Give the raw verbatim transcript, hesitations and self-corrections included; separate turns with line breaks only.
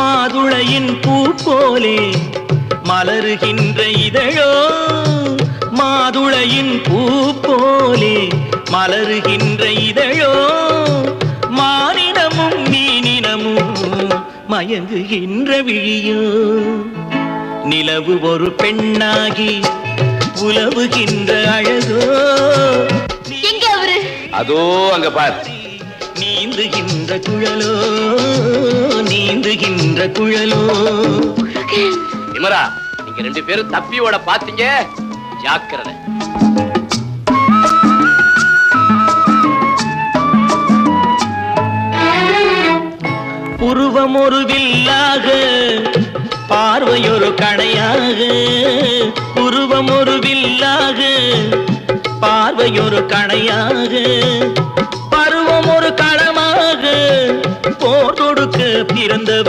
மாதுளையின் பூ போலே மலருகின்ற இதழோ, மாதுளையின் பூ போலே மலருகின்ற இதழோ, மானினமும் மீனினமும் மயங்குகின்ற விழியோ. நிலவு ஒரு பெண்ணாகி உலவுகின்ற அழகோ.
எங்க அவரு?
அதோ அங்க பார்.
நீந்துகின்ற குழலோ, நீந்துகின்ற குழலோ.
விமரா, நீங்க ரெண்டு பேரும் தப்பியோட பாத்தீங்க, ஜாக்கிரதை.
புருவம் ஒரு வில்லாக, பார்வையொரு கணையாக. புருவம் ஒரு வில்லாக, பார்வையொரு கணையாக. பருவம் ஒரு களமாக, போர் தொடுக்க பிறந்த